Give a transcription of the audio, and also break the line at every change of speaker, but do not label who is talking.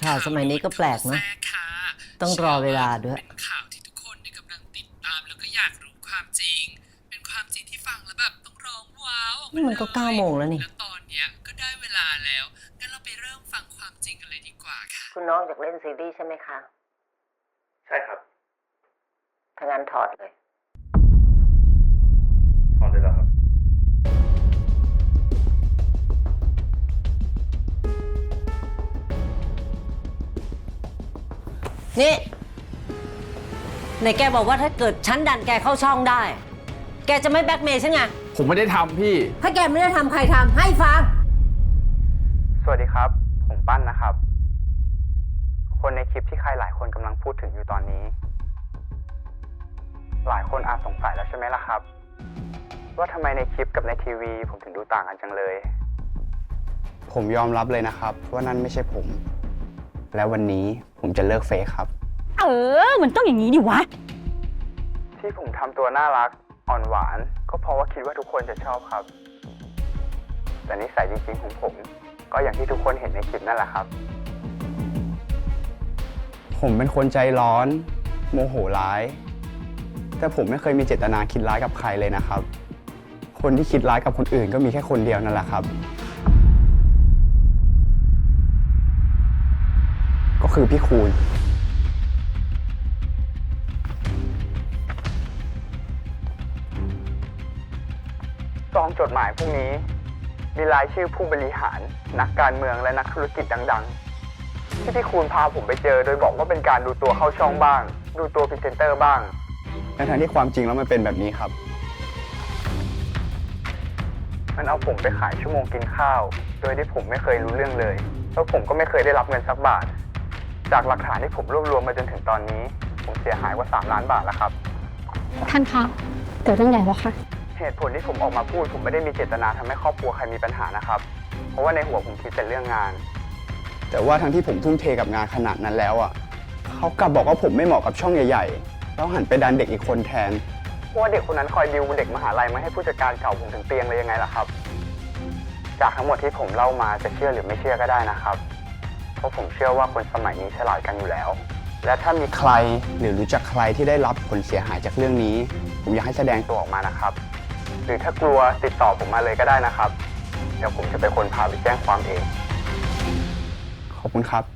ข่าวสมัยนี้ก็แปลกเนอะต้องรอเวลาด้วย
เป็นข่าวที่ทุกคนกำลังติดตามแล้วก็อยากรู้ความจริงเป็นความจริงที่ฟังแล้วแบบต้องร้องว้าว
นี่มันก็9 โมงแล้วนี่
แล้วตอนเนี้ยก็ได้เวลาแล้วงั้นเราไปเริ่มฟังความจริงกันเลยดีกว่าค่ะ
คุณน้องอยากเล่นซีรีส์ใช่ไหมคะ
ใช่ครับ
ถ้างั้นถอดเลย
ถอดเลยเหรอครับ
นี่ไหนแกบอกว่าถ้าเกิดฉันดันแกเข้าช่องได้ แกจะไม่แบล็กเมย์ฉันไง
ผมไม่ได้ทำพี่
ถ้าแกไม่ได้ทำใครทำให้ฟัง
สวัสดีครับผมปั้นนะครับคนในคลิปที่ใครหลายคนกำลังพูดถึงอยู่ตอนนี้ หลายคนอาจสงสัยแล้วใช่ไหมล่ะครับว่าทำไมในคลิปกับในทีวีผมถึงดูต่างกันจังเลยผมยอมรับเลยนะครับว่านั่นไม่ใช่ผมและวันนี้ผมจะเลิกเฟซครับ
มันต้องอย่างนี้ดิวะ
ที่ผมทำตัวน่ารักอ่อนหวานก็เพราะว่าคิดว่าทุกคนจะชอบครับแต่นิสัยจริงๆของผมก็อย่างที่ทุกคนเห็นในคลิปนั่นแหละครับผมเป็นคนใจร้อนโมโหร้ายแต่ผมไม่เคยมีเจตนาคิดร้ายกับใครเลยนะครับคนที่คิดร้ายกับคนอื่นก็มีแค่คนเดียวนั่นแหละครับก็คือพี่คูณซองจดหมายพวกนี้มีรายชื่อผู้บริหารนักการเมืองและนักธุรกิจดังๆที่พี่คูณพาผมไปเจอโดยบอกว่าเป็นการดูตัวเข้าช่องบ้างดูตัวพรีเซนเตอร์บ้างทั้งที่ความจริงแล้วมันเป็นแบบนี้ครับมันเอาผมไปขายชั่วโมงกินข้าวโดยที่ผมไม่เคยรู้เรื่องเลยแล้วผมก็ไม่เคยได้รับเงินสักบาทจากหลักฐานที่ผมรวบรวมมาจนถึงตอนนี้ผมเสียหายกว่า3 ล้านบาทแล้วครับ
ท่านคะเกิดเรื่องใหญ่แล้วค่ะ
เหตุผลที่ผมออกมาพูดผมไม่ได้มีเจตนาทำให้ครอบครัวใครมีปัญหานะครับเพราะว่าในหัวผมคิดแต่เรื่องงานแต่ว่าทั้งที่ผมทุ่มเทกับงานขนาดนั้นแล้วอ่ะเขากลับบอกว่าผมไม่เหมาะกับช่องใหญ่ๆแล้วหันไปดันเด็กอีกคนแทนเพราะว่าเด็กคนนั้นคอยดิวเด็กมหาลัยมาให้ผู้จัดการเก่าผมถึงเตียงเลยยังไงล่ะครับจากทั้งหมดที่ผมเล่ามาจะเชื่อหรือไม่เชื่อก็ได้นะครับเพราะผมเชื่อว่าคนสมัยนี้ฉลาดกันอยู่แล้วและถ้ามีใครหรือรู้จักใครที่ได้รับผลเสียหายจากเรื่องนี้ผมอยากให้แสดงตัวออกมานะครับหรือถ้ากลัวติดต่อผมมาเลยก็ได้นะครับเดี๋ยวผมจะเป็นคนพาไปแจ้งความเองขอบคุณครับ